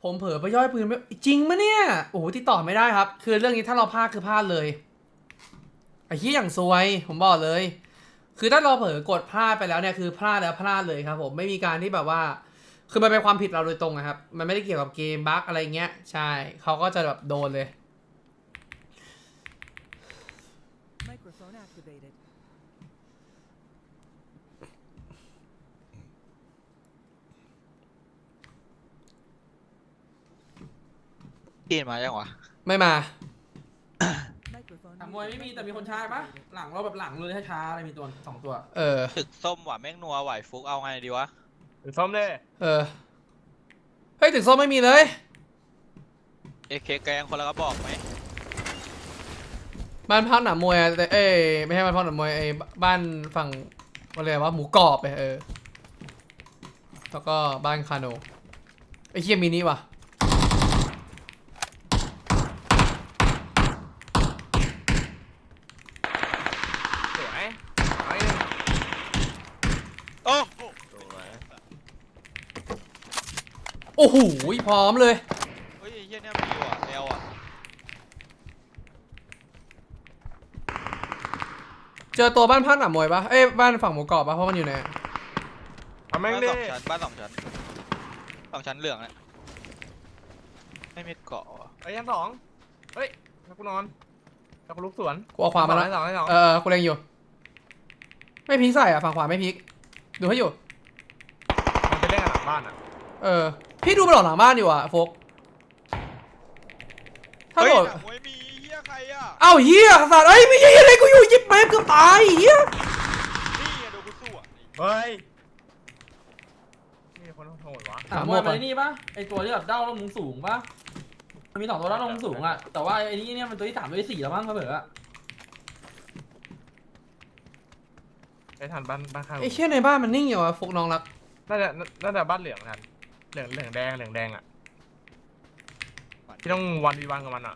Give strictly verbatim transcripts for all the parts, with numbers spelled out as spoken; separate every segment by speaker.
Speaker 1: ผมเผลอไปย่อยปืนไม่จริงมะเนี่ยโอ้โหติดต่อไม่ได้ครับคือเรื่องนี้ถ้าเราพลาดคือพลาดเลยไอ้ที่อย่างซวยผมบอกเลยคือถ้าเราเผลอกดพลาดไปแล้วเนี่ยคือพลาดแล้วพลาดเลยครับผมไม่มีการที่แบบว่าคือมันเป็นความผิดเราโดยตรงนะครับมันไม่ได้เกี่ยวกับเกมบั๊กอะไรเงี้ยใช่เขาก็จะแบบโดนเลย
Speaker 2: Microphone activated.
Speaker 3: กินมายังวะ
Speaker 1: ไม่มา
Speaker 2: Microphone
Speaker 4: หลังมวยไม่มีแต่มีคนช้าปะหลังเราแบบหลังเลยช้าๆอะไรมีตัวสองตัว
Speaker 1: เออ
Speaker 3: ตึกส้มว่ะแม่งนัวไหวฟุกเอาไงดีวะ
Speaker 5: หรือส้มเลย
Speaker 1: เออเฮ้ยตึกส้มไม่มีเลย
Speaker 3: เอเคแกงคนละกระบอกไหม
Speaker 1: บ้านพักหนามมวยอะแต่เอ้ยไม่ใช่บ้านพักหนามมวยไอ้บ้านฝั่งอะไรวะหมูกรอบไปเออแล้วก็บ้านคาโนไอ้เคียมินิว่ะ
Speaker 5: สวยเอาอีกหนึ่ง
Speaker 3: โอ้โห
Speaker 5: สวย
Speaker 1: โอ้โหพร้อมเลย
Speaker 3: เฮ้ยไอ้เหี้ยเนี่ยมีว่ะเอลอ่ะ
Speaker 1: เจอตัวบ้านพักหนามมวยปะเอ้ยบ้านฝั่งหมูกรอบปะเพราะมันอยู่ไหน
Speaker 5: เอาแม่ง
Speaker 3: บ้าน
Speaker 5: ดิ
Speaker 3: สองชั้นบ้านสองชั้นสองชั้นเหลืองเนี่ยไม่มีเกาะว่ะ
Speaker 5: ไอ้ยันสองเฮ้ยแล้วกูนอนแล้วกูลุกสวน
Speaker 1: กูเอาขวามาแล้ว
Speaker 5: ไอ้สองไอ้สอง
Speaker 1: เออกูเล็งอยู่ไม่พลิกใส่อ่ะฝั่งขวาไม่พลิกดูให้อยู่
Speaker 5: มันไปเล่นกันหลังบ้านอ่ะ
Speaker 1: เออพี่ดูมันหลอกหลังบ้านอยู่อ่ะโฟกถ้า
Speaker 3: เฮ้ย
Speaker 1: โดด
Speaker 3: หนังมวยมีเหี้ยใครอ่ะ
Speaker 1: เอ้าเฮียสัตว์เอ้ยไม่ใช่อะไรกูอยู่ยิบแม่เกือบตายเฮีย
Speaker 3: นี่ไงดูกูสู้อ่ะ
Speaker 5: เฮ้ยนี่คนโหดวะ
Speaker 4: หลังมวยมันไอ้นี่ปะไอตัวที่แบบเด้าลงมุงสูงปะมันมีสองตัวเด้าลงมุงสูงอะแต่ว่าไอ้นี่เนี่ยมันตัวที่สามตัวที่สี่แล้วมั้งเขาเบิกอะ
Speaker 5: ไอ้ทันบ้านบ้านข้าง
Speaker 1: ไอ้เชี่ยในบ้านมันนิ่งอยู่อ่ะโฟกน้องรัก
Speaker 5: น่าจะน่าจะบ้านเหลืองทันเหลืองเหลืองแดงเหลืองแดงอ่ะที่ต้องวันวีวันกับมันอ่ะ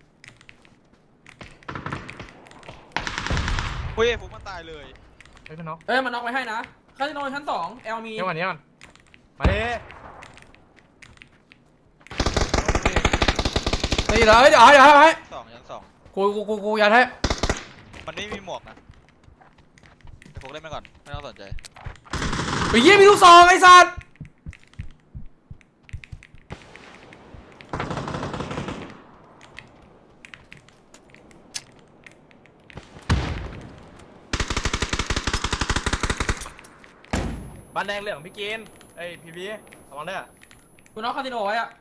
Speaker 3: เฮ้ยฟุกมันตายเลย
Speaker 5: เฮ้ยพี่น้อง
Speaker 4: เอ้ยมันน็อกไว้ให้นะคาสิโนชั้นสองเอลมี
Speaker 5: เดี๋ยวก่อนเดี๋ยวก่อนมาดิ
Speaker 1: เฮ้ยเดี๋ยวเดี๋ยวเดี๋ยวให้
Speaker 3: สองชั้นสอง
Speaker 1: กูกูกูกูยัดให้
Speaker 3: มันไม่มีหมวกนะไอ้ฟุกเล่นไปก่อนไม่ต้องสนใจ
Speaker 1: ไอ้เหี้ยมีลูกซองไอ้สัตว์
Speaker 5: บ้านแดงเหลืองพี่กินเอ้ยพี่พีระวังด้วย
Speaker 4: กูน็อกคาสิโนไว้อะ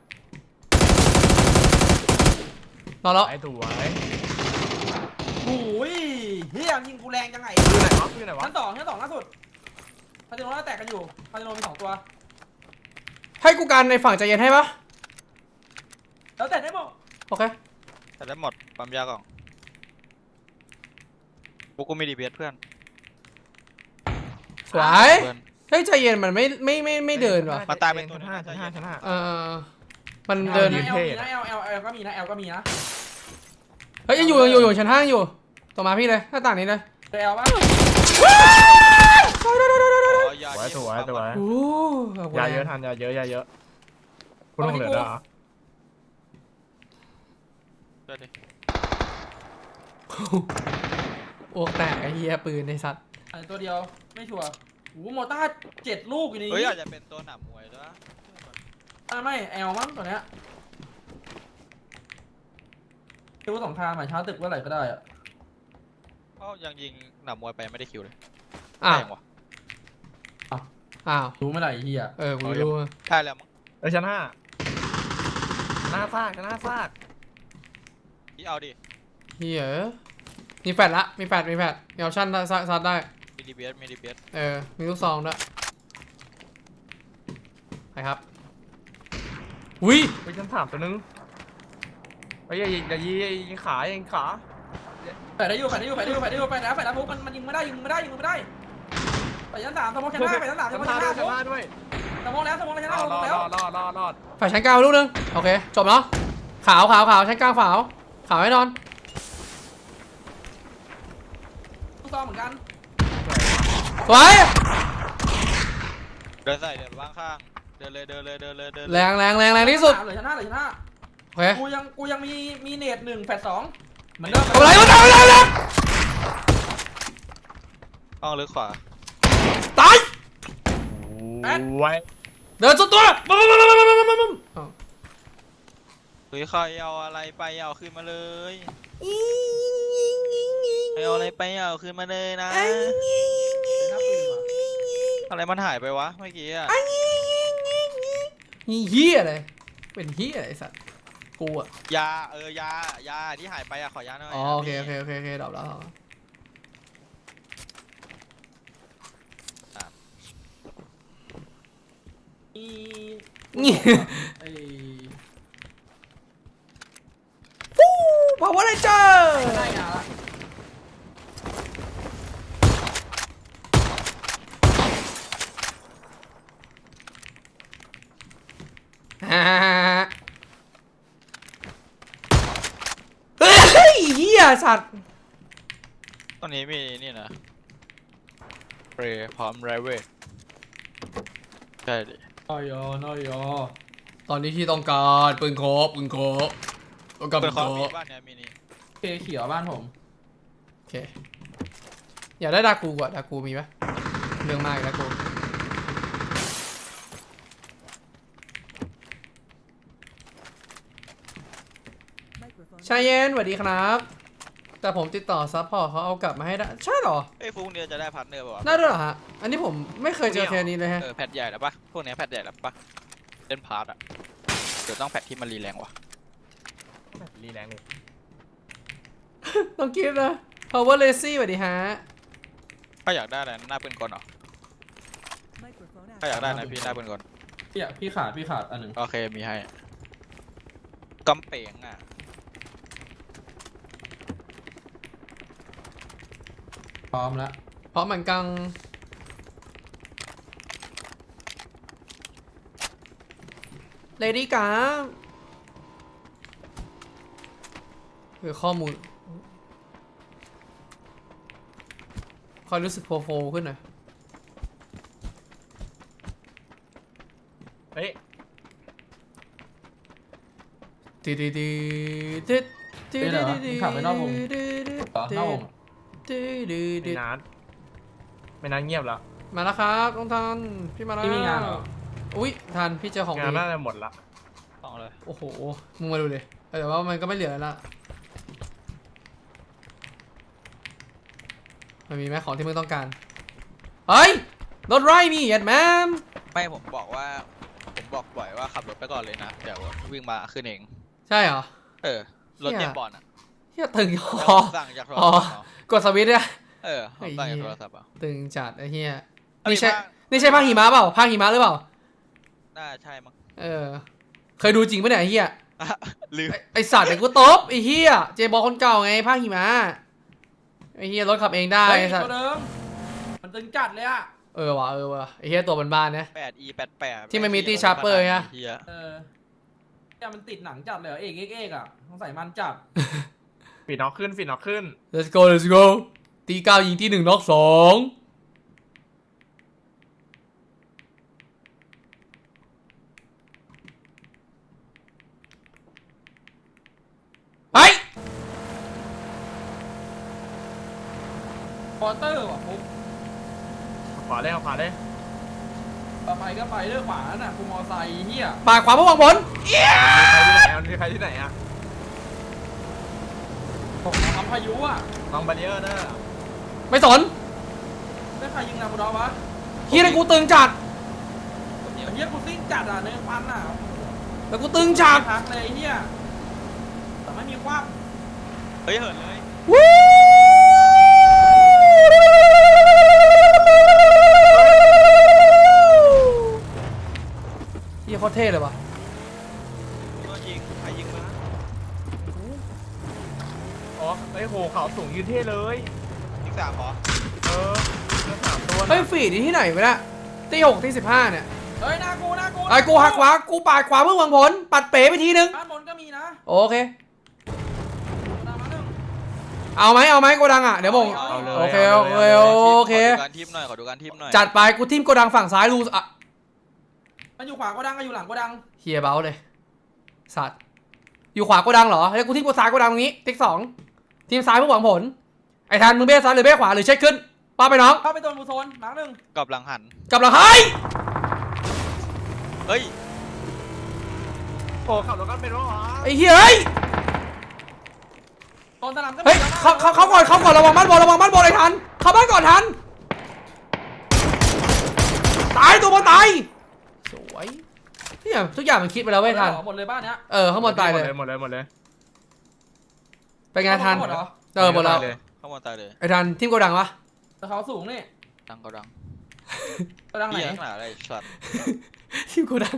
Speaker 1: นอนแล้ว
Speaker 5: ไอ้ตัวไอ้
Speaker 4: โอ้ยเฮียยิงกูแรงจังไง
Speaker 5: อยู่ไหนวะอยู่ไหนวะ
Speaker 4: ชั้นสองชั้นสองล่าสุดคาสิโนน่าแตกกันอยู่คาสิโนมีสองตัว
Speaker 1: ให้กูกันในฝั่งใจเย็นให้ปะ
Speaker 4: แล้วแต่ได้บอก
Speaker 1: โอเค
Speaker 3: แต่ได้หมดปั๊มยาก่อนฟุกกูมีดีเบียสเพื่อน
Speaker 1: สวย
Speaker 3: เพื่อน
Speaker 1: เฮ้ยใจเย็นมันไม่ไม่ไม่ไม่เดินว่ะ
Speaker 3: มาตายเป็นตัว
Speaker 5: ชั้นห้าชั้นห้าชั้นห้า
Speaker 1: เออมันเดิน
Speaker 4: เอ
Speaker 5: ยื
Speaker 4: ล
Speaker 5: นเท่
Speaker 4: มีนะเอลเอลเอลก็มีนะเอลก็มีนะ
Speaker 1: เฮ้ยยังอยู่ยังอยู่อยู่ชั้นห้างอยู่ต่อมาพี่เลยหน้าต่างนี้เลย
Speaker 4: เอลปะ
Speaker 3: อ๋อยา
Speaker 5: สวย
Speaker 3: เย็น
Speaker 5: สวยสวย
Speaker 1: โอ้
Speaker 5: ยาเยอะทันยาเยอะยาเยอะคุณต้องเหลือแล้วเหรอ
Speaker 3: เดี๋ยวดิ
Speaker 1: โอ้แตกไอ้เหี้ยปืนไอ้สัตว์
Speaker 4: อันตัวเดียวไม่ชัวร์โอ้โหโมต้าเจ็ดลูกอยู่ใน
Speaker 3: เฮ้ย
Speaker 4: นี้
Speaker 3: อาจจะเป็นตัวหนามมวยด้วยนะ
Speaker 4: อ่าไม่แอลมั้งตัวเนี้ยคิดว่าสองทางหมายช้าตึกเมื่อไหร่ก็ได้อะ
Speaker 3: เพราะยังยิงหนามมวยไปยังไม่ได้คิวเลย
Speaker 1: อ้าว
Speaker 3: แพงว่ะ
Speaker 1: อ้าว
Speaker 4: รู้เมื่อไหร่ไอ้เฮีย
Speaker 1: เออกูรู้
Speaker 3: ใช่แล้วมั้ง
Speaker 5: เอ้ยชั้นห้าหน้าซากชั้นห้าซาก
Speaker 3: พี่เอาดิ
Speaker 1: เหี้ยมีแฟดละมีแฟดมีแฟดมีออปชั่นซัดซัดได้
Speaker 3: มีดีเบียสมีดีเบียส
Speaker 1: เออมีลูกซองด้วยไปครับอุ้ย
Speaker 5: ไปชั้นสามตัวนึงเฮ้ยอย่าอย่ายิงอย่ายิงขาอย่ายิงขา
Speaker 4: แปดได้อยู่แปดได้อยู่แปดได้อยู่แปดได้อยู่แปดแล้วแปดแล้วปุ๊บมันมันยิงไม่ได้ยิงไม่ได้ยิงไม่ได้ไปชั้นสามสมองชั้นห้าไปชั้นสามส
Speaker 5: ชั้
Speaker 4: ม
Speaker 5: น
Speaker 4: อง
Speaker 5: ห้า
Speaker 4: ชั้น
Speaker 5: ด้วย
Speaker 4: ห้า
Speaker 5: ชั้นห้าด้วย
Speaker 4: สมองแล้วสมองแล้วชั้น
Speaker 5: ร
Speaker 4: ห้า
Speaker 5: อ
Speaker 4: ส
Speaker 5: ด
Speaker 4: ม
Speaker 5: ร
Speaker 4: อ
Speaker 5: อง ด
Speaker 4: แล้ว
Speaker 5: รอดรอดรอด
Speaker 1: ฝ่ายชั้นกลางลูกนึงโอเคจบเนาะขาวขาวขาวชั้นกลางขาวขาวให้นอน
Speaker 4: ลูกซองเหมือนกัน
Speaker 1: สวย
Speaker 3: เดินใส่เดินว่างข้างเดินเลยเดินเลยเดินเลยเดินเลย
Speaker 1: แรงแรงแรงแรงที่สุด
Speaker 4: เหลือชนะเหลือชนะ
Speaker 1: โอเค
Speaker 4: กูยังกูยังมีมีเนตหนึ่งแฟดสองเหมือนเดิม
Speaker 1: ทำอะไรวะทำอะไรวะ
Speaker 3: ห้องลึกขวา
Speaker 1: ตาย
Speaker 5: ไว้
Speaker 1: เดินสุดตัวบึ้มบึ้มบึ้มบึ้มบึ้มบึ้มบึ้มอ้าว
Speaker 3: เฮ้ยใครเอาอะไรไปเอาคืนมาเลยใครเอาอะไรไปเอาคืนมาเลยนะ
Speaker 4: หน้าปืนว่ะ
Speaker 3: อะไรมันหายไปวะเมื่อกี้อะ
Speaker 1: นี่เฮียอะไรเป็นเฮียอะไรไอ้สัตว์กูอะ
Speaker 3: ยาเออยายาที่หายไปอะขอยาหน่อย
Speaker 1: อ๋อโอเคโอเคโอเคโอเคดอกแล้ว
Speaker 4: มี
Speaker 1: นี่
Speaker 4: ไอ้
Speaker 1: ฟู้พาวเวอร์เรนเจอร์
Speaker 4: ได้งานละ
Speaker 1: ฮ่าเฮ้ยเฮียสัตว์
Speaker 3: ตอนนี้มีนี่นะเปรย์พร้อมไรเวทใช่ดิ
Speaker 4: น้อยอน้อยอ
Speaker 1: ตอนนี้ที่ต้องการปืนโคบปืนโคบต้องการ
Speaker 3: เปิ
Speaker 1: ปื
Speaker 3: ด
Speaker 1: น
Speaker 3: ค
Speaker 1: โค
Speaker 3: อมมี
Speaker 1: บ
Speaker 3: บ้านเนี่ยมินิ
Speaker 4: เคเขียวบ้านผม
Speaker 1: โอเคอยากได้ดากูกว่าดากูมีปะเรื่องมากอีกดากูชายเย็นสวัสดีครับ แต่ผมติดต่อซัพพอร์ตเขาเอากลับมาให้ได้ใช่เหรอ
Speaker 3: เอ้ยฟุกเดียวจะได้พาร์ทเนอร์ป่าวะ
Speaker 1: ได้ด้วยเหรอฮะอันนี้ผมไม่เคยเจอเคสนี้เลยฮะ
Speaker 3: เออแพทใหญ่แล้วปะพวกเนี้ยแพทใหญ่แล้วปะเล่นพาร์ทอะเดี๋ยวต้องแพทที่มันรีแรงว่ะ
Speaker 5: รีแรงเลย
Speaker 1: ต้องกิฟต์นะ power lazy สวัสดีฮะ
Speaker 3: ถ้าอยากได้อะไรหน้าปืนกลเหรอ
Speaker 2: Microphone
Speaker 3: ถ้าอยากได้
Speaker 2: activated.
Speaker 3: นะพี่หน้าปืนกล
Speaker 4: พี่อะพี่ขาดพี่ขาดอันหนึ่ง
Speaker 3: โอเคมีให้กำเป๋งอ่ะ
Speaker 4: พร้อมแล้ว
Speaker 1: เพราะมันกังเลดี้กาคือข้อมูลคอยรู้สึกโฟโฟขึ้นหน่อย
Speaker 5: เฮ้ย
Speaker 1: ตีดีดีดีดี
Speaker 4: เฮ้ยเหรอมึงขับไปนอกวง
Speaker 1: ดี
Speaker 4: เหรอนอกวง
Speaker 1: ดีดี
Speaker 5: ไม่นานไม่นานเงียบแล้ว
Speaker 1: มาแล้วครับต้องทันพี่มาแล้ว
Speaker 4: พี่มีงานเหรอ
Speaker 1: อุ้ยทันพี่เจอของ
Speaker 5: งาน
Speaker 1: ดี
Speaker 5: น่าจะหมดละ
Speaker 3: ต้องเลย
Speaker 1: โอ้โหมึงมาดูเลยแต่ว่ามันก็ไม่เหลือแล้วละมันมีไหมของที่มึงต้องการเฮ้ยรถไร่มีเอ็ดแมม
Speaker 3: ไม่ผมบอกว่า ผมบอกบ่อยว่าขับรถไปก่อนเลยนะเดี๋ยววิ่งมาขึ้นเอง
Speaker 1: ใช่เหรอ
Speaker 3: เออรถเตรียมบอลอ่ะ
Speaker 1: เฮียตึง
Speaker 3: แล้ว
Speaker 1: คอ
Speaker 3: ผมสั่งจากโทร
Speaker 1: อ๋อ
Speaker 3: ศัพท์เอา
Speaker 1: กดสวิตช์เนี่ย
Speaker 3: เออผมสั่งจากโทรศัพท์เอา
Speaker 1: ตึงจัดไอ้เฮีย
Speaker 3: เอ้ย
Speaker 1: นี่ใช่
Speaker 3: ภาค
Speaker 1: นี่ใช่ภาคหิมะเปล่าภาคหิมะหรือเปล่า
Speaker 3: น่าใช่มั้ง
Speaker 1: เออเคยดูจริงปะเนี่ยไอ้เฮีย
Speaker 3: อ่ะลืม
Speaker 1: ไอ้ไอสัตว์เดี๋ยวกูตบไอ้เฮียเจบอลคนเก่าไงภาคหิมะไอ้เฮียรถขับเองได้
Speaker 4: เฮ้ย
Speaker 1: ไอ้สัต
Speaker 4: ตัว
Speaker 1: ว์
Speaker 4: เดิมมันตึงจัดเลยอะ
Speaker 1: เออว่ะเออว่ะไอ้เฮียตัวบ้านๆนะ
Speaker 3: แปด อี แปด แปด
Speaker 1: ที่มันมีตี้ชาร์เปอร์ไง
Speaker 3: เหี้ย
Speaker 4: เออเนี่ยมันติดหนังจัดเลยเหรอเอกเอกเอกอะต้องใส่มันจัด
Speaker 5: ฟีดน็อกขึ้นฟีดน็อกขึ้น
Speaker 1: let's go let's go ตีเก้ายิงที่หนึ่งน็อกสองไป
Speaker 4: พอเตอร์ว่ะปุ๊บ
Speaker 5: ขวาเลยเอาขวาเลย
Speaker 4: ต่อไปก็ไปเลือกขวาน่ะกูมอไซค์เฮีย
Speaker 1: ปาดขวาเพื่อหวังผลเอี้ย
Speaker 5: มีใครที่ไหนอ่ะ
Speaker 4: ผมทำพายุอะ
Speaker 5: น้องบาริเออร์เนอร์
Speaker 1: ไม่สน
Speaker 4: ไม่ใครยิงนาบูดอวะ
Speaker 1: เฮียเลยกูตึงจัด
Speaker 4: เฮียกูซิ่งจัดอ่ะในพันอ่ะ
Speaker 1: แล้วกูตึงจัด
Speaker 4: พักเลยเฮียแต่ไม่มีความ
Speaker 3: เฮ้ยเหินเลย
Speaker 1: วู้เฮียโคตรเท่เลยว่ะ
Speaker 3: โดนยิงใครยิงมา
Speaker 5: อ๋อไอ้ยโหเขาสูงยืนเท่เลย
Speaker 3: ยิงสามเหรอ
Speaker 5: เออเลือดสามตัว
Speaker 1: เฮ้ยฟีดนี่ที่ไหนวะเนี่ยตีหกตีสิบห้าเนี่ย
Speaker 4: เฮ้ยหน้ากูหน้ากู
Speaker 1: ไอ้กูหักขวากูปาดขวาเพื่อหวังผลปัดเป๋ไปทีนึง
Speaker 4: ด้านบนก็มีนะ
Speaker 1: โอเค
Speaker 4: ตามมาหนึ่ง
Speaker 1: เอาไหมเอาไหมโกดังอ่ะเดี๋ยวผม
Speaker 5: เอาเลย
Speaker 1: โอเค
Speaker 5: า
Speaker 1: โอ
Speaker 5: ลย
Speaker 1: เค
Speaker 5: าลย
Speaker 1: โอเค
Speaker 3: ขอดูการทิปหน่อยขอดูการทิปหน่อย
Speaker 1: จัดไปกูทิมโกดังฝั่งซ้ายรูอ่ะ
Speaker 4: เมันอยู่ขวาโกดังก็อยู่หลังโกดัง
Speaker 1: เฮียเบาเลยสัตว์อยู่ขวาโกดังเหรอแล้วกูทิ้งกูซ้ายโกดังตรงนี้ติ๊กสองทีมซ้ายเพื่อหวังผลไอ้ทันมึงเบ้ซ้ายหรือเบ้ขวาหรือเช็คขึ้นป้าไปน้อง
Speaker 4: เข้าไปโดนบูโซนมาร์คหนึ่ง
Speaker 3: กลับหลังหัน
Speaker 1: กลับหลังเฮ้ย
Speaker 3: เฮ้ย
Speaker 5: โอ้ขับรถกันเป็นวะวะ
Speaker 1: ไอ้เฮียเฮ้ย
Speaker 4: โดนสนามก็
Speaker 1: เฮ้ยเขาเขาเขาก่อนเขาก่อนระวังบ้านบอลระวังบ้านบอลไอ้ทันเข้าบ้านก่อนทันตายตัวบอลตายสวยเนี่ยทุกอย่างมันคิดไปแล้วเว้ยทัน
Speaker 4: หมดเลยบ้านเนี้ย
Speaker 1: เออข้างบนตายเลย
Speaker 5: หมดเลยหมดเลย
Speaker 1: เป็นไงทัน
Speaker 4: หมดเหรอ
Speaker 1: เออหมดแล้ว
Speaker 5: เลย
Speaker 3: เข้ามาตายเลย
Speaker 1: ไอ้ทันทีมโกดังปะ
Speaker 4: แต่เขาสูงนี่
Speaker 3: ดังก็ดัง
Speaker 4: โกดังไหน
Speaker 3: เหี้ยขนาดอะไรสัตว์
Speaker 1: ทีมโกดัง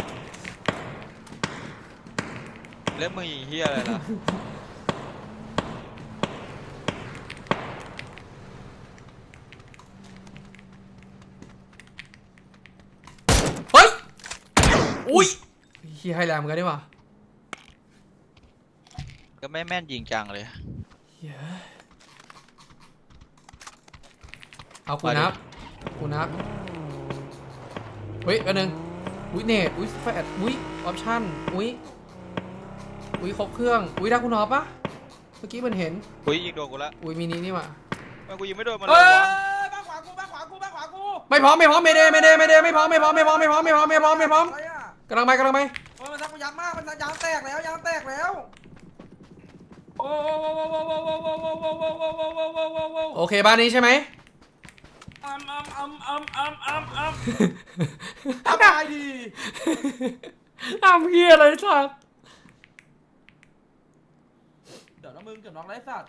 Speaker 3: เล่นมึงยิงเฮียอะไรล่ะ
Speaker 1: เฮ้ยอุ้ยเฮียให้แรงเหมือนกันดีกว่า
Speaker 3: ก็ไม่แม่นยิงจังเลย
Speaker 1: เหี้ยเอากูนับกูนับเฮ้ยอันหนึ่งอุ้ยเนตอุ้ยแฟดอุ้ยออปชั่นอุ้ยอุ้ยครบเครื่องอุ้ยได้คุณนอปะเมื่อกี้มันเห็น
Speaker 3: อุ้ยยิงโดนกูละ
Speaker 1: อุ้ยมินินี่หว่า
Speaker 3: ทำไมกูยิงไม่โดนมันเล
Speaker 4: เฮ้
Speaker 3: ย
Speaker 4: ยว
Speaker 3: ะ
Speaker 4: บ้านขวากูบ้านขวากูบ้านขวากู
Speaker 1: ไม่พร้อมไม่พร้อมไม่เดไม่เดไม่เดไม่พร้อมไม่พร้อมไม่พร้อมไม่พร้อมไม่พร้อมไม่พร้อมไม่พร้อมไม่พร้อม
Speaker 4: อะไรอ่ะ
Speaker 1: กำลังไปกำลังไป
Speaker 4: โอ้ยมันซักกูยับมากมันยางแตกแล้วยางแตกแล้วโอ้โหโอ้โหโอ้โหโอ้โหโอ้โหโอ้โหโอ้โหโอ้โหโอ้โหโอ้โหโอ้โห
Speaker 1: โอเคบ้านนี้ใช่ไหม
Speaker 4: อัมอัมอัมอัมอัมอัมอัมทำได้ดี
Speaker 1: ทำเฮียอะไรสัตว์
Speaker 4: เดี๋ยวน้องมึงเกือบน้องไรสัตว์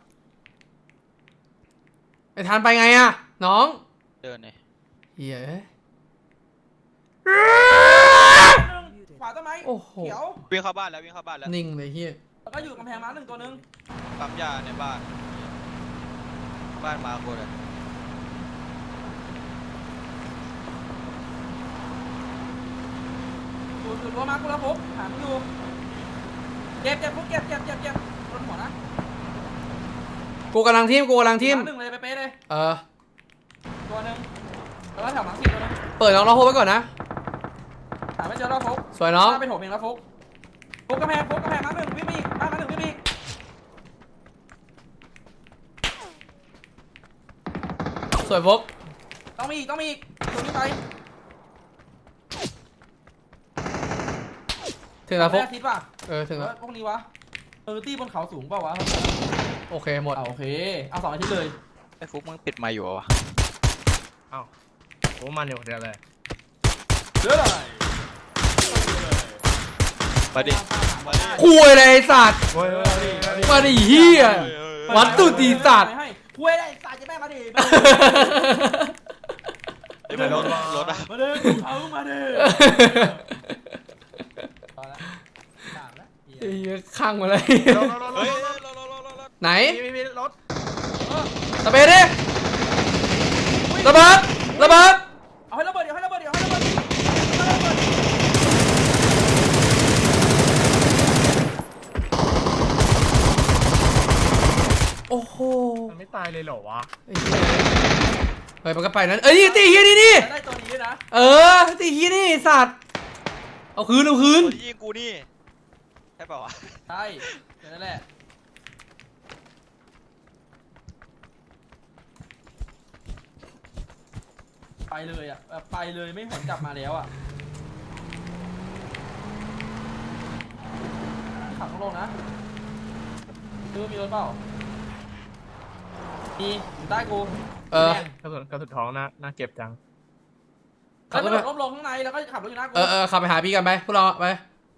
Speaker 1: ไอ้ทานไปไงอะน้อง
Speaker 3: เดินเนี่ย
Speaker 1: เฮีย
Speaker 4: ขวาต้นไม้
Speaker 1: โอ้โห
Speaker 4: เขียว
Speaker 3: วิ่งเข้าบ้านแล้ววิ่งเข้าบ้านแล้ว
Speaker 1: นิ่งเลยเฮีย
Speaker 4: แล้วก็อยู่กำแพงม้าหนึ่งตัวนึง
Speaker 3: ปั๊มยาในบ้าน บ้านมาโคตร
Speaker 4: อยู่อยู่ตัวม้ากูแล้วฟุกหามึงอยู่เจ็บเจ็บฟุกเจ็บเจ็บเจ็บเจ็บโดนหัวนะ
Speaker 1: กูกำลังทีมกูกำลังทีม
Speaker 4: หนึ่งเลยเป๊ะๆเลย
Speaker 1: เออ
Speaker 4: ตัวหนึ่งแล้วก็แถวหลังสี่ตัวนึง
Speaker 1: เปิดน้องเราโฮไว้ก่อนนะ
Speaker 4: หาไม่เจอแล้วฟุก
Speaker 1: สวยน้อง
Speaker 4: ไปโถมเองแล้วฟุกฟุกกำแพงฟุกกำแพงม้าหนึ่งวิ่งไปอีกม้าหนึ่งวิ่งไปอีก
Speaker 1: สวยฟก
Speaker 4: ต้องมีอีกต้องมีอีกตัวนี้ไป
Speaker 1: ถึงแล้วฟก
Speaker 4: แม่ทิศป่ะ
Speaker 1: เออถึง
Speaker 4: เอ
Speaker 1: แล้ว
Speaker 4: อพวกนี้วะเออตี้บนเขาสูงเปล่าวะ
Speaker 1: โอเคหมด
Speaker 4: เอาโอเคเอาสองอาทิตย์เลย
Speaker 3: ไอ้ฟุกมึงปิดไมค์อยู่เหรอวะ
Speaker 5: โอ้มันอยู่เดียวเลย
Speaker 4: เยอะเลย
Speaker 3: มาดิ มาดิ
Speaker 1: คุยเลยไอ้สัตว์
Speaker 5: โอ้ยโอ้ย
Speaker 1: มาดิเฮีย วัดตุตีสัตว์
Speaker 4: ไม่ให้คุยได้สัตว์จะแม่มาดิ
Speaker 3: ไอ้มันรถรถอะ
Speaker 4: มาดิเอามาดิพอละสามละ
Speaker 1: ไอ้เหี้ยข้างมาเลย
Speaker 5: รถรถรถ
Speaker 3: เฮ้ย
Speaker 5: รถ
Speaker 3: รถรถรถรถรถ
Speaker 1: ไหน
Speaker 5: มีมีรถ
Speaker 1: ระเบิดดิระเบิดระเบิด
Speaker 4: เอาให้ระเบิดเดี๋ยวให้ระเบิดเดี๋ยวให้ระเบิดให้ระเบิด
Speaker 1: โอ้โห
Speaker 5: มันไม่ตายเลยเหรอวะ
Speaker 1: ไอ้เหี้ยเฮ้ยมันก็ไปนั้นเอ้ยนี่ตีเฮียนี่นี่
Speaker 4: ได้ตัวนี้นะ
Speaker 1: เออตีเฮียนี่ไอ้สัตว์เอาคืนเอาคืน
Speaker 3: คนที่ยิงกูนี่ ใช่เปล่าวะ
Speaker 4: ใช่นั่นแหละไปเลยอ่ะแบบไปเลยไม่หวนกลับมาแล้วอ่ะขับลงนะดูมีรถเปล่ามีอยู่ใต้กู
Speaker 1: เออ
Speaker 5: กระสุนกระสุนท้องน่าน่าเก็บจัง
Speaker 1: ขั
Speaker 4: ขั
Speaker 1: บบ ร
Speaker 4: ร
Speaker 1: ถ
Speaker 4: ถ
Speaker 1: ไป
Speaker 4: ล้มลงข้างในแล้วก็ขับรถอยู่หน้ากู
Speaker 1: เออเออขับไปหาพี่กันไปพวกเราไป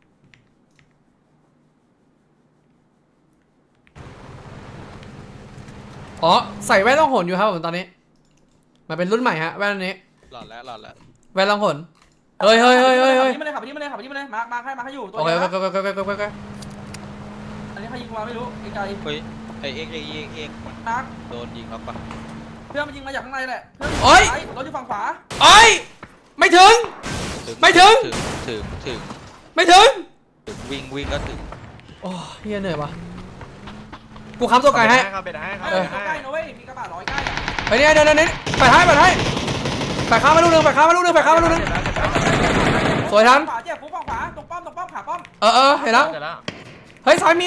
Speaker 1: อ๋อใส่แว่นล่องหนอยู่ครับผมตอนนี้มันเป็นรุ่นใหม่ฮะแว่นอันนี้
Speaker 3: หลอดแล้วหลอดแล้ว
Speaker 1: แว่นล่องหนเฮ้ยเฮ้ยเฮ้ยเฮ้ยเฮ้ย
Speaker 4: ขับที่มาเลยขับที่มาเลยขับที่มาเลยมาร์คมาร์คให้มาร์คให้อยู่ตัว
Speaker 1: โอเค
Speaker 4: นี้
Speaker 1: โอ
Speaker 4: นะ
Speaker 1: เคโอเคโอเคโอเคโอเค
Speaker 4: อันนี้ใครยิงมาไม่รู้ไกล
Speaker 3: เฮ้ย ไอเอ็กเอ็กเอ็กเอ็กมัน
Speaker 4: ๆมาร์ค
Speaker 3: โดนยิงครับปะ
Speaker 4: เพื่อนมันยิงมาจากข้างในแหละเพื่อน
Speaker 1: โอ้ย
Speaker 4: รถอยู่ฝั่งขวา
Speaker 1: โอ้ยไม่ถึง ไม่ถึง
Speaker 3: ถึง ถึง
Speaker 1: ไม่ถึง
Speaker 3: ถึง วิ่งวิ่งก็ถึง
Speaker 1: โอ้เฮียเหนื่อยวะกูค้ำตัวไก่ให้
Speaker 5: ครับเป็นให้ครับ
Speaker 4: เอ
Speaker 5: เป็
Speaker 4: อน ใก
Speaker 5: ให้
Speaker 4: ล้นะเว้ยมีกระบะร้อยใกล้อะ
Speaker 1: ไปเนี่ยเดี๋ยวเดี๋ยวเดี๋ยวไปให้ไปให้ไปข้ามมาลูกนึงไปข้ามมาลูกนึงไปข้ามมาลูกนึงสสวยทัน
Speaker 4: ขวาเจ็บปุ๊บฝั่งขวาตรงป้อมตรงป้อมขาป้อม
Speaker 1: เออเออเห็นแล้ว
Speaker 5: เสร็จแล้ว
Speaker 1: เฮ้ยซ้ายมี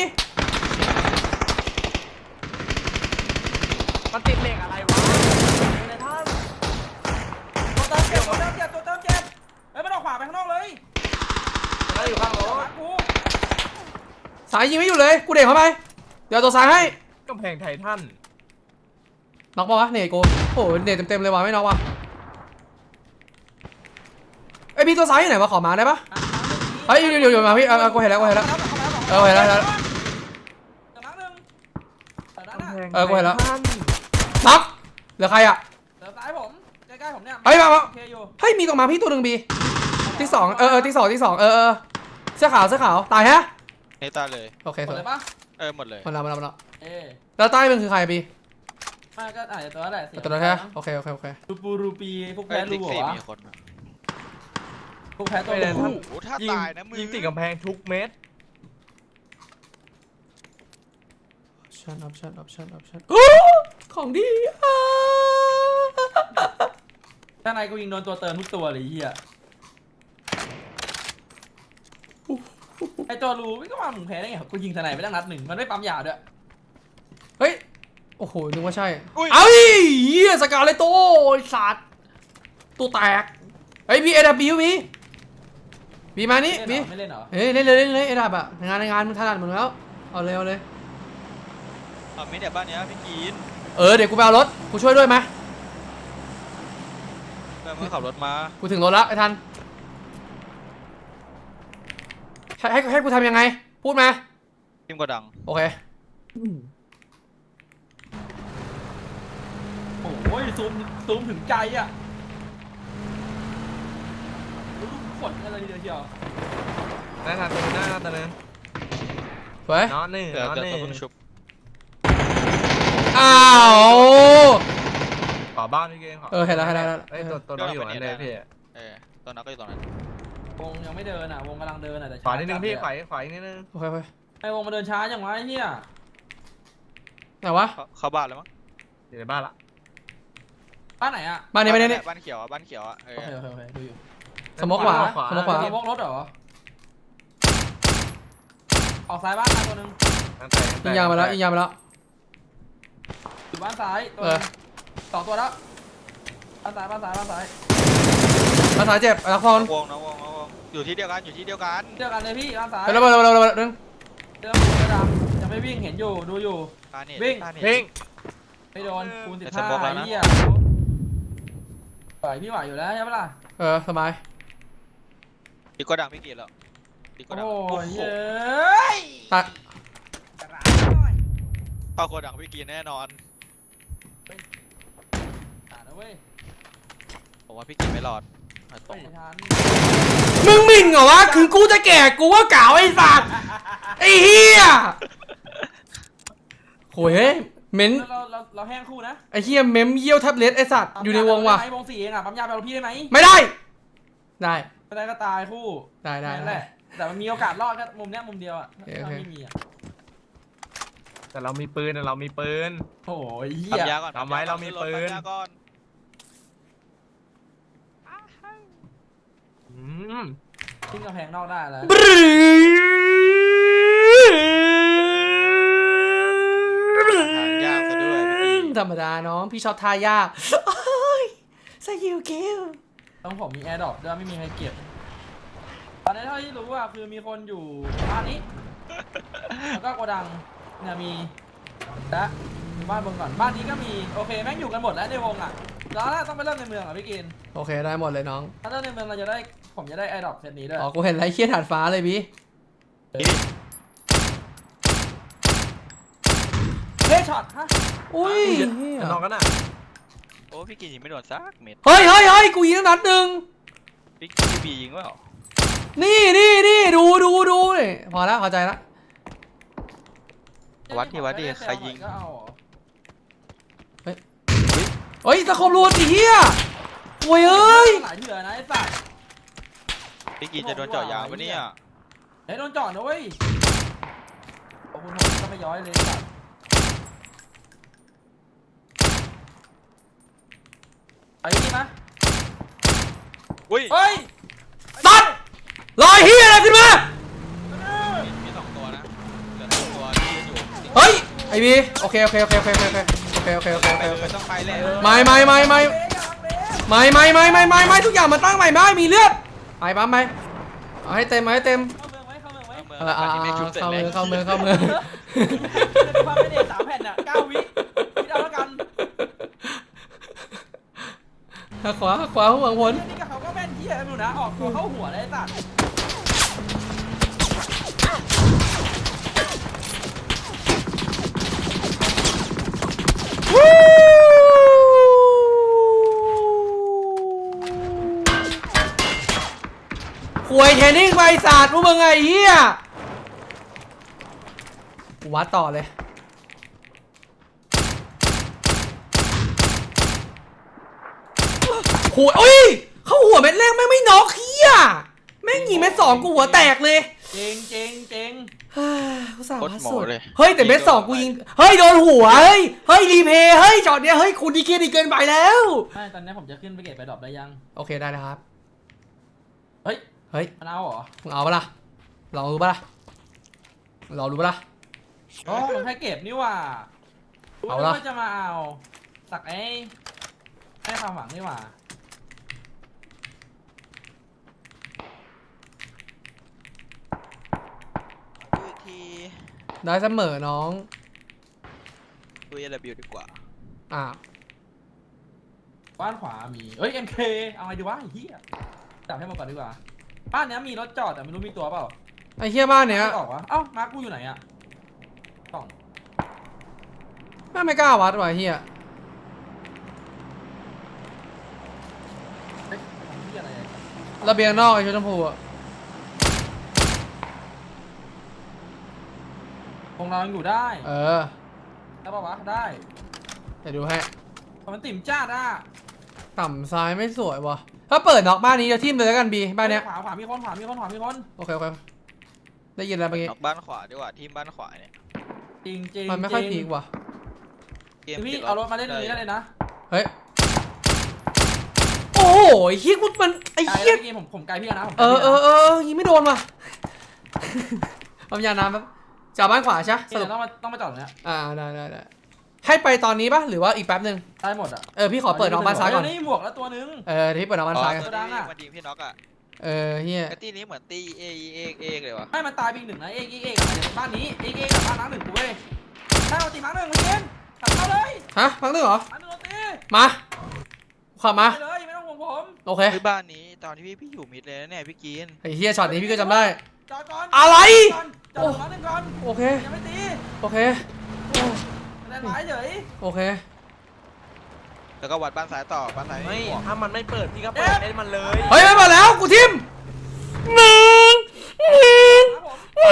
Speaker 5: มันติดเหล็กอะไรวะในท่าน
Speaker 4: ตัวเติมเจ็บตัวเติมเจ็บตัวเติมเจ็บเฮ้ยมันออกขวาไปข้างนอกเลย
Speaker 5: แล้วอยู่ข้างรถ
Speaker 4: หลังกู
Speaker 1: สายยิงไม่อยู่เลยกูเด็กเข้าไปเดี๋ยวตัวซ้ายให้
Speaker 5: กำแพงไททัน
Speaker 1: น็อกปะวะเนตกูโอ้โหเนตเต็มๆเลยว่ะไม่น็อกว่ะไอ้ยพี่ตัวซ้ายอยู่ไหนวะขอมาได้ปะ เฮ้ยอยู่อยู่อยู่มาพี่เอาเอากูเห็นแล้วกูเห็นแล้ว เออเห็นแล้วเห็นแล้ว
Speaker 4: เดี๋ยวนัดหนึ่งเดี๋ยวนัด
Speaker 5: กำ
Speaker 4: อ่ะ
Speaker 5: แพง
Speaker 1: เออกูเห็นแล้ว
Speaker 5: ไททัน
Speaker 1: น็อกเหลือใครอ่ะ
Speaker 4: เดี๋ยวซ้ายผมใกล้ๆผมเนี่ย
Speaker 1: เฮ้ยมามา
Speaker 4: โอเคอยู่
Speaker 1: เฮ้ยมีตรงมาพี่ตัวหนึ่งบีที่สองเออเออที่สองที่สองเออเออเสื้อขาวเสื้อขาวตายฮะ
Speaker 3: เนตาเลย
Speaker 1: โอเค
Speaker 4: หม
Speaker 1: ส
Speaker 4: ด
Speaker 1: วย
Speaker 4: เลยปะ
Speaker 3: เออหมดเลย
Speaker 1: มันละมันละมันละ
Speaker 4: เอ๊ะ
Speaker 1: แล้วใต้มันคือใครบี
Speaker 4: ไมาก็อาจจะตัวนั้นแหละเสีย
Speaker 1: ตัวนั้นใช่ไหมโอเคโอเคโอเค
Speaker 4: รูปูรูปีพวก
Speaker 3: เอ้
Speaker 4: แพ้
Speaker 3: ย
Speaker 4: รู
Speaker 3: ติ๊ก
Speaker 4: เหร
Speaker 3: ซี่
Speaker 4: อวะ
Speaker 3: มีคนอะ
Speaker 4: พวกแพ้ตัว
Speaker 5: ไม่ได้
Speaker 4: รู
Speaker 5: ท่าน
Speaker 3: โอ้โหถ้า
Speaker 5: ยิง
Speaker 3: ตายนะมือ
Speaker 5: ยิงติดกำแพงทุกเม็ด
Speaker 1: ชั่นออปชั่นออปชั่นออปชั่นของดีอ่ะ
Speaker 4: ถ้านายกูยิงโดนตัวเติมทุกตัวเลยไอ้เฮียไอตัวรูไม่ก็มามึงแพ้ได้ไงกูยิงทนายไปตั้งนัดหนึ่งมันไม่ปั๊มยาด้วย
Speaker 1: เฮ้ยโอ้โหนึกว่าใช่
Speaker 3: อุ้ย
Speaker 1: เอ้ยเหี้ยสกาเลโต้ไอ้สัตว์ตัวแตกเฮ้ยบีเอดับบิวบีบีมานี่
Speaker 4: เล่น
Speaker 1: บี
Speaker 4: เหรอไม่เล่นเหรอ
Speaker 1: เฮ้ยเล่นเลยเล่นเลยเอดับอะงานในงานมึงถนัดมึงแล้วเอาเลยเอาเลย
Speaker 3: เอาไม่เดี๋ยวบ้านเนี้ยพี่กีน
Speaker 1: เออเดี๋ยวกูไปเอารถกูช่วยด้วยไหม
Speaker 3: เพื่อนมึงขับรถมา
Speaker 1: กูถึงรถแล้วไอ้ทันให้ให้ให้กูทำยังไงพูดมา
Speaker 3: ทิมกระดัง
Speaker 1: โอเค
Speaker 4: โอ้ยซูมซูมถึงใจอ่ะรู้ลูกฝนอะไรทีเดียวเชียว
Speaker 5: ได้ทันตัวนึงได้ทันตัวนึง
Speaker 1: สวย
Speaker 5: น้อหนึ่ง
Speaker 3: เดี๋ยว
Speaker 5: น้อ
Speaker 3: เดี๋ยว
Speaker 5: หนึ่
Speaker 3: ต้อง
Speaker 5: ง
Speaker 3: เพิ่งชุบ
Speaker 1: อ้าว
Speaker 5: ขอบ้านพี่เกมขอ
Speaker 1: เออเห็นแล้วเห็นแล้วเห็นแล้ว
Speaker 5: เอ้ยตัวตัวน้องอยู่นั่นเลยพี่
Speaker 3: เออตอนนั้นก็อยู่ตรงนั้น
Speaker 4: วงยังไม่เดินอ่ะวงกำลังเดินอ่ะแต่
Speaker 5: ขวานิดนึงพี่
Speaker 4: จั
Speaker 5: ขวาขวาอีกนิดนึง
Speaker 1: โอเคโอเค
Speaker 4: ไอ้วงมาเดินช้าอย่างวะไอ้เหี้ย
Speaker 1: ไหนวะ
Speaker 3: เข้าเข้าบ้านแล้วมั้ง
Speaker 5: อยู่ในบ้านละ
Speaker 4: บ้านไหนอ่ะ
Speaker 1: มาเนี่ยมาเนี่ย
Speaker 3: บ้านเขียวอะบ้านเขียวอะเอ
Speaker 4: โอเค
Speaker 3: อ
Speaker 4: โอเคโอเคดูอยู่
Speaker 1: สมมติขวาสมมติขวา
Speaker 4: สมกรถเหรอออกซ้ายบ้านมาตัวหนึง
Speaker 5: ตั้งแต่ตั้งแต่
Speaker 1: ยิงยางมาแล้วยิงยางมาแล้ว
Speaker 4: อยู่บ้านซ้ายตัว
Speaker 1: เอ
Speaker 4: ห
Speaker 1: อ
Speaker 4: นึ่งสองตัวแล้วบ้านซ้ายบ้านซ้ายบ้านซ้าย
Speaker 1: ภาษาเจ็บนักฟอน
Speaker 3: วงนะวงนะวงอยู่ที่เดียวกันอยู่ที่เดียวกัน
Speaker 4: เดียวกันเลยพี่บ้านซ้าย
Speaker 1: เร็วเร็วเร็วเร็วเร็วนึง
Speaker 4: เดิมเดิมดำยังไม่วิ่งเห็นอยู่ดูอยู่
Speaker 3: ตาเน็ต
Speaker 4: วิ่ง
Speaker 3: ตาเน็ต
Speaker 5: พิง
Speaker 4: ไม่โดนคูณสิบ
Speaker 3: แต่
Speaker 4: ห้า
Speaker 3: สมองแล้วนะ
Speaker 4: ไอ้เหี้ยไหวพี่ไหวอยู่แล้วใช่ปะล่ะ
Speaker 1: เออสบาย
Speaker 3: พี่ก็ดังพี่กีนแล้วพี่ก็
Speaker 4: โอ้
Speaker 3: ดัง
Speaker 4: ย
Speaker 3: โอ้โห
Speaker 4: เย้ย
Speaker 1: ตัด
Speaker 4: กระดาษหน่อย
Speaker 3: เข้าโกดังพี่กีนแน่นอน
Speaker 4: กระดาษนะเว้ย
Speaker 3: ผมว่าพี่กีนไม่รอดอ่ะตร
Speaker 4: ไม่
Speaker 3: ง
Speaker 4: ทัน
Speaker 1: มึงหมิ่นเหรอวะคือกูจะแก่กูก็เก่าไอ้สัตว์ไอ้เหี้ยโหยเฮ้ยเม้น
Speaker 4: เราเราเราแห้งคู่นะ
Speaker 1: ไอ้เหี้ยเม้มเยี่ยวแท็บเล็ตไอ้สัตว์อยู่ในวงว่ะ
Speaker 4: ปั๊มยาไปเอาได้ไหมวงสี่เองอ่ะปั๊มยาไปเอาพี่ได้ไหม
Speaker 1: ไม่ได้ ได้
Speaker 4: ไม่ได้ก็ตายคู่
Speaker 1: ได้ได้
Speaker 4: นั่น
Speaker 1: ได้
Speaker 4: แหละแต่มันมีโอกาสรอดแค่มุมเนี้ยมุมเดียวอ่ะ
Speaker 1: โอเค
Speaker 4: ถ้า
Speaker 1: โอเค
Speaker 4: ไม่มีอ่ะ
Speaker 5: แต่เรามีปืนแต่เรามีปืน
Speaker 4: โอ้ยเหี้
Speaker 3: ปั๊
Speaker 4: ย
Speaker 3: มยาก่อน
Speaker 5: ทำไว้เรามีปืน
Speaker 3: ปั๊ยาก่อน
Speaker 5: อืม
Speaker 4: ทิ้งกำแพงนอกได้แล้ว
Speaker 1: บรึ้
Speaker 3: ทางยากซะด้วยพี่กีน
Speaker 1: ธรรมดาน้องพี่ชอบทายากโอ้ยสกิลคิว
Speaker 4: ต้องผมมีแอร์ดรอปด้วยไม่มีใครเก็บตอนนี้เท่าที่รู้อ่ะคือมีคนอยู่บ้านนี้แล้วก็โกดังเนี่ยมีและมีบ้านบนก่อนบ้านนี้ก็มีโอเคแม่งอยู่กันหมดแล้วในวงอ่ะแล้วต้องไปเริ่มในเมืองอ่ะพี่กิน
Speaker 1: โอเคได้หมดเลยน้อง
Speaker 4: ถ้าเริ่มในเมืองเราจะได้ผมจะได้แอร์ดรอปเซตนี้ด้วย
Speaker 1: อ๋อกูเห็นไรเคียถาดฟ้าเลยพี่
Speaker 4: เฮ้ยช็อตฮะ
Speaker 1: อุ้ย
Speaker 5: แต่นอกกันอ่ะ
Speaker 3: โอ้พี่กีนยิงไม่โดนสักเม็ด
Speaker 1: เฮ้ยเฮ้ยเฮ้ยกูยิงตั้งนัดหนึ่ง
Speaker 3: พี่พี่บียิงเปล่า
Speaker 1: นี่นี่นี่ดูดูดูนี่พอแล้วเข้าใจละ
Speaker 3: วัดดิวัดดิใครยิง
Speaker 4: ก็เอาเหรอ
Speaker 1: เฮ้ยตะคมรูดไอ้เหี้ยโว้ยเอ้ย
Speaker 4: หลายเถื่อนะไอ้สัตว์
Speaker 3: พี่กีนจะโดนเจาะยางปะเนี่ย
Speaker 4: เฮ้ยโดนจอดนะเว้ยโอ้คุณผมก็ไม่ย้อยเลยสัตว์ไปนี่มะ
Speaker 3: อุ้ย
Speaker 4: เฮ้ย
Speaker 1: สัตว์ลอยเฮียอะไรขึ้นมา
Speaker 3: มีมีสองตัวนะเหลือสองตัวที่ยืนอยู่
Speaker 1: เฮ้ยไอบีโอเคโอเคโอเคโอเคโอเคโอเคโอเคโอเคโอเค
Speaker 3: ไป
Speaker 1: โอ
Speaker 3: เล
Speaker 1: เค
Speaker 3: ยต้องไปเลย
Speaker 1: ไม่ไม่ไม่ไม่
Speaker 4: เบรกอะเบรก
Speaker 1: ไม่ไม่ไม่ไม่ไม่ไม่ทุกอย่างมันตั้งใหม่ไม่มีเลือดไปปั๊มไปเอาให้เต็มเอาให้เต็ม
Speaker 4: เข้าเมืองไหมเข้าเมืองไหม
Speaker 3: เมือง
Speaker 1: เออเอา
Speaker 3: ที่ไม่ชุบเสร็จ
Speaker 1: เข้า
Speaker 3: เล
Speaker 1: มื
Speaker 3: ย
Speaker 1: อเข้ามือเข้ามือ
Speaker 4: เป็นความไม่เด็สามแผ่นอ่ะเก้าวิคิดเอาแล้วกัน
Speaker 1: ขวาขวาหัวผล
Speaker 4: นี่กับเขาก็แม่นเหี้ยอยู่นะออกตัวเข้าหัวเลยไอ้สัตว์
Speaker 1: หวยเทรนนิ่งไปศาสตร์พวกมึงไงเฮียกูวัดต่อเลยหัวโอ้ยเข้าหัวเม็ดแรกแม่งไม่น็อกเฮียแม่งยิงเม็ดสองกูหัวแตกเลย
Speaker 4: เจงเจงเจง
Speaker 1: เฮ้ยกูสา
Speaker 3: โคตร
Speaker 1: วัด
Speaker 3: โหม
Speaker 1: สุด
Speaker 3: เลย
Speaker 1: เฮ้ยแต่เม็ดสองกูยิงเฮ้ยโดนหัวเฮ้ยเฮ้ยรีเพย์เฮ้ยจอดเนี้ยเฮ้ยคุณดีเกียดีเกินไปแล้ว
Speaker 4: ไม่ตอนนี้ผมจะขึ้นไปเก็บไปดรอปได้ยัง
Speaker 1: โอเคได้นะครับ
Speaker 4: เฮ้ย
Speaker 1: เฮ้ย
Speaker 4: มันเอาเหรอ
Speaker 1: มึงเอาปะล่ะลองดูปะล่ะลองดูปะล่ะ
Speaker 4: อ๋อมันแค่เก็บนี่หว่า
Speaker 1: เอาละ
Speaker 4: ว่าจะมาเอาสักไอ้ให้ความหวังนี่หว่า
Speaker 3: ดูอีกที
Speaker 1: ได้เสมอน้อง
Speaker 3: ดูเอลบิวดีกว่า
Speaker 1: อ่า
Speaker 4: บ้านขวามีเอ้ย เอ็ม เค เอาไงดีวะไอ้เหี้ยจับให้หมดก่อนดีกว่าบ้านเนี้ยมีรถจอดแต่ไม่รู้มีตัวเปล่า
Speaker 1: ไอ้เฮียบ้านเนี้ย
Speaker 4: ไม่ออกวะเอ้ามาร์คกูอยู่ไหนอะสอง
Speaker 1: แม่งไม่กล้าวัดว่ะไอ้เฮีย
Speaker 4: เฮ้ยของเหี้ยอะไรอะ
Speaker 1: ระเบียงนอกไอ้ชุดชมพูอ่ะ
Speaker 4: คงเรายังอยู่ได้
Speaker 1: เออ
Speaker 4: ได้ปะวะได้
Speaker 1: เดี๋ยวดูให้
Speaker 4: แต่มันติ่มจ้าดอ่ะ
Speaker 1: ต่ำซ้ายไม่สวยว่ะถ้าเปิดนอกบ้านนี้จะทิ่มเลยแล้วกันบีบ้านเนี้ย
Speaker 4: ขวาขวามีคนขวามีคนขวามีคน
Speaker 1: โอเคโอเคได้ยินแล้วเมื่อกี้
Speaker 3: นอกบ้านขวาดีกว่าทีมบ้านขวาเนี่ย
Speaker 4: จริงจริง
Speaker 1: มันไม่ค่อย
Speaker 4: จ
Speaker 1: พี
Speaker 4: ริ
Speaker 1: ก
Speaker 4: ง
Speaker 1: ว่ะ
Speaker 3: เกม
Speaker 4: พี่
Speaker 3: ติด
Speaker 4: เอารถมาเล่นตรงนี้ได้เลยนะ
Speaker 1: เฮ้ยโอ้โหไอ้เฮียกูมันไอ้
Speaker 4: ไกล
Speaker 1: เฮี
Speaker 4: แล้
Speaker 1: ยว
Speaker 4: เมื่อกี้ผมผมไกลพี่แล้วนะผมไก
Speaker 1: เอ
Speaker 4: ล
Speaker 1: อ
Speaker 4: พี่
Speaker 1: เอ
Speaker 4: แล้ว
Speaker 1: อเออยิงไม่โดนว่ะ ปั๊มยาน้ำแป๊บจากบ้านขวาใช่ปะส
Speaker 4: นี่
Speaker 1: รุป
Speaker 4: เดี๋ยวต้องมาต้องมาจอดตรงเนี้ย
Speaker 1: อ่าได้ได้ได้ให้ไปตอนนี้ปะหรือว่าอีกแป๊บหนึ่ง
Speaker 4: ได้หมดอ่ะ
Speaker 1: เออพี่ขอเปิดน้องบ้านซ้ายก่อน
Speaker 4: เนี่หมวกแล้วตัวนึง
Speaker 1: เออที่เปิดน้องบ้านซ้ายก่อน
Speaker 3: ตัว
Speaker 4: ดัง
Speaker 3: นี้
Speaker 4: อะ
Speaker 3: มันยิงพี่น็อกอ่ะ
Speaker 1: เออเฮีย
Speaker 3: ไอ้ตีนี้เหมือนตีเอเอกเอกเลยวะ
Speaker 4: ให้มันตายไปอีกหนึ่งนะเอกเอกเอกอะบ้านนี้เอกเอกกับบ้านน้ำหนึ่งกูเว้ยถ้าเราตีมาร์คหนึ่งมึงเกณฑ์ขับเข้าเลย
Speaker 1: ฮะฟังนึงเหรอ
Speaker 4: มาร์คหนึ่งเราตี
Speaker 1: มาขับมา
Speaker 4: ไปเลยไม่ต้องห่วงผม
Speaker 1: โอเค
Speaker 3: คือบ้านนี้ตอนที่พี่พี่อยู่มิดเลยนะเนี่ยพี่กิน
Speaker 1: ไอ้เฮียช็อตนี้พี่ก็จำได้
Speaker 4: จอดก่อน
Speaker 1: อะไร
Speaker 4: จอดจอดมาร์คหนึ่งก่อน
Speaker 1: โอเค
Speaker 4: ยังไม่ตี
Speaker 1: โอเคโอ้
Speaker 4: แรงร้ายเฉย
Speaker 1: โอเค
Speaker 3: แล้วก็วัดบ้านซ้ายต่อบ้านซ้าย
Speaker 5: ไม่
Speaker 3: ไม่บอก
Speaker 5: ถ้ามันไม่เปิดพี่ก็เปิดให้มันเลย
Speaker 1: เฮ้ยไม่มาแล้วกูทิมหนึ่งหนึ่ง
Speaker 4: ครับผม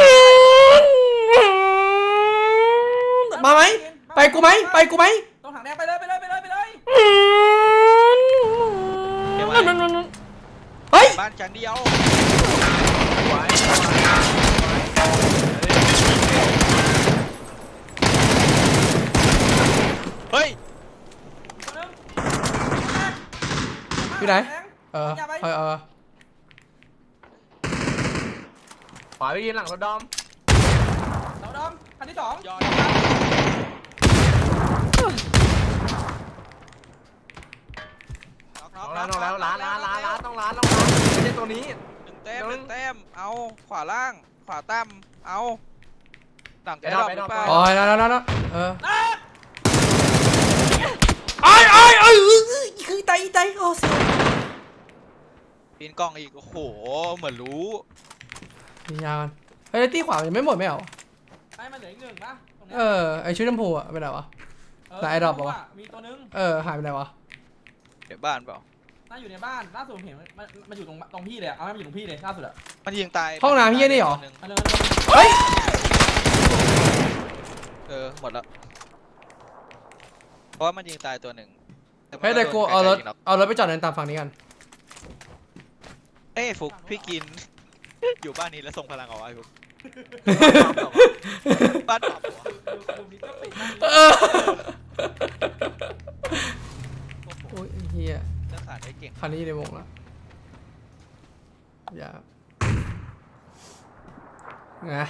Speaker 1: มาไหมไปกูไหมไปกูไหม
Speaker 4: ตรงถังแดงไปเลยไปเลยไปเลยไปเลย
Speaker 1: เฮ้ย
Speaker 3: บ้านชั้นเดียว
Speaker 5: ไว้
Speaker 3: เฮ้ย
Speaker 4: ตัวนึง
Speaker 1: อยู่ไหน
Speaker 4: แดง
Speaker 1: เออเออเออ
Speaker 5: ขวาไปยืนหลังรถดอม
Speaker 4: เสาดำคันที่สอง
Speaker 3: ยอดน็อกน็
Speaker 5: น้
Speaker 3: อ
Speaker 5: อก ง
Speaker 3: น็
Speaker 5: แล้
Speaker 3: อ
Speaker 5: ว
Speaker 3: ก
Speaker 5: น้องแล้วร้านร้านร้านร้านต้องร้านต้องร้านไม่ใช่ตัวนี้
Speaker 3: หนึ่งแต้มหนึ่งแต้มเอาขวาล่างขวาตั้มเอาหลัง
Speaker 5: ไป
Speaker 3: ไอ้
Speaker 5: ด
Speaker 3: ด
Speaker 5: อ
Speaker 3: อก ก
Speaker 5: ไป
Speaker 3: ห
Speaker 5: ด
Speaker 3: รือ อก เปล่า
Speaker 1: โอ้ยแล้วแล้วแล้วเออไอ้ไอ้ไอ้คือไตไตโอ้เสีย
Speaker 3: ปีนกล้องอีกโอ้โหเหมือนรู้
Speaker 1: มียากันเฮ้ยตีขวายังไม่หมดไม่เหรอ
Speaker 4: ไอ้มันเหลืออีกหนึ่งนะตรงเนี้
Speaker 1: เอย อไอชุดชมพูอะไปไหนวะ แต่ไอ้ดรอปเหรอวะ
Speaker 4: มีตัวนึง
Speaker 1: เออหายไปไหนวะ
Speaker 3: เดี๋ยวบ้านเปล่า
Speaker 4: น่าอยู่ในบ้านล่าสุดผมเห็นมันมันมันอยู่ตรงตรงพี่เลยอะเอาให้มันอยู่ตรงพี่เลยล่าสุดอะ
Speaker 3: มันยิงตาย
Speaker 1: ห้องน้ำเฮียนี่เหรอ
Speaker 3: ตัวง
Speaker 4: เอาเลยเอาเลย
Speaker 1: เฮ้ย
Speaker 3: เออหมดแล้วเพราะว่ามันยิงตายตัวหนึ่งแต่มัน
Speaker 1: เฮ้ยเดี๋ยวกู
Speaker 3: โดน
Speaker 1: เอารถ
Speaker 3: ไกลๆยิงน็อก
Speaker 1: เอารถไปจอดในตามฝั่งนี้กัน
Speaker 3: เอ้ยฟุกพี่กิน อยู่บ้านนี้แล้วส่งพลังเอาไว้ฟุกบ้านปรับหัว
Speaker 4: ดูดูมิเตอร์ปิดนั่ง
Speaker 1: เออ
Speaker 3: โอ้โห
Speaker 1: โอ้ยเฮีย
Speaker 3: จะสานได้เก่ง
Speaker 1: คันนี้อยู่ในวงแล้วอย่าไง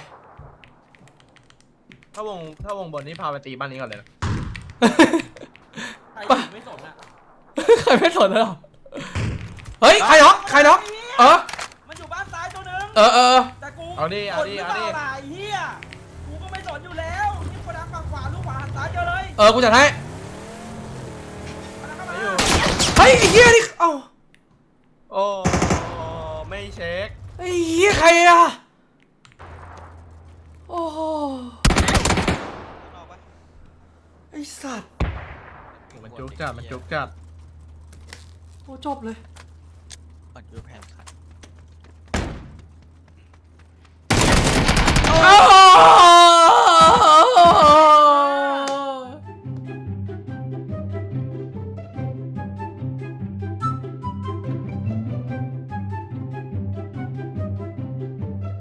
Speaker 5: ถ้าวงถ้าวงบนนี่พาไปตีบ้านนี้ก่อนเลยนะ
Speaker 4: ใครอยู่ไม่สนอ่ะ
Speaker 1: ใครไม่สนเลยเหรอเฮ้ยใครน็อกใครน็อกเออ
Speaker 4: มันอยู่บ้านซ้ายตัวหนึง
Speaker 1: เออเออ
Speaker 4: แต่กู
Speaker 5: เอาดิเอาดิ
Speaker 4: ก
Speaker 5: เอาดิ
Speaker 4: หรือปล่ล่ะไอ้เหี้ยกูก็ไม่สนอยู่แล้วนี่โกดังฝั่งขวาลูกขวาหันซ้ายเจอเลย
Speaker 1: เออกูจัดให้
Speaker 4: โกดังเข้า
Speaker 5: ไม่
Speaker 4: มา
Speaker 5: อยู่
Speaker 1: เฮ้ยไอ้เหี้ยนี่เอ้า
Speaker 5: โอ้ไม่เช็ค
Speaker 1: ไอ้เหี้ยใครอะโอ้โห
Speaker 3: ข้างนอกปะ
Speaker 1: ไอ้สัตว์
Speaker 5: มันจุกจัดมันจุกจัด
Speaker 1: โอ้จบเลย
Speaker 3: ก่อนคือแผนขัด
Speaker 1: โอ้โห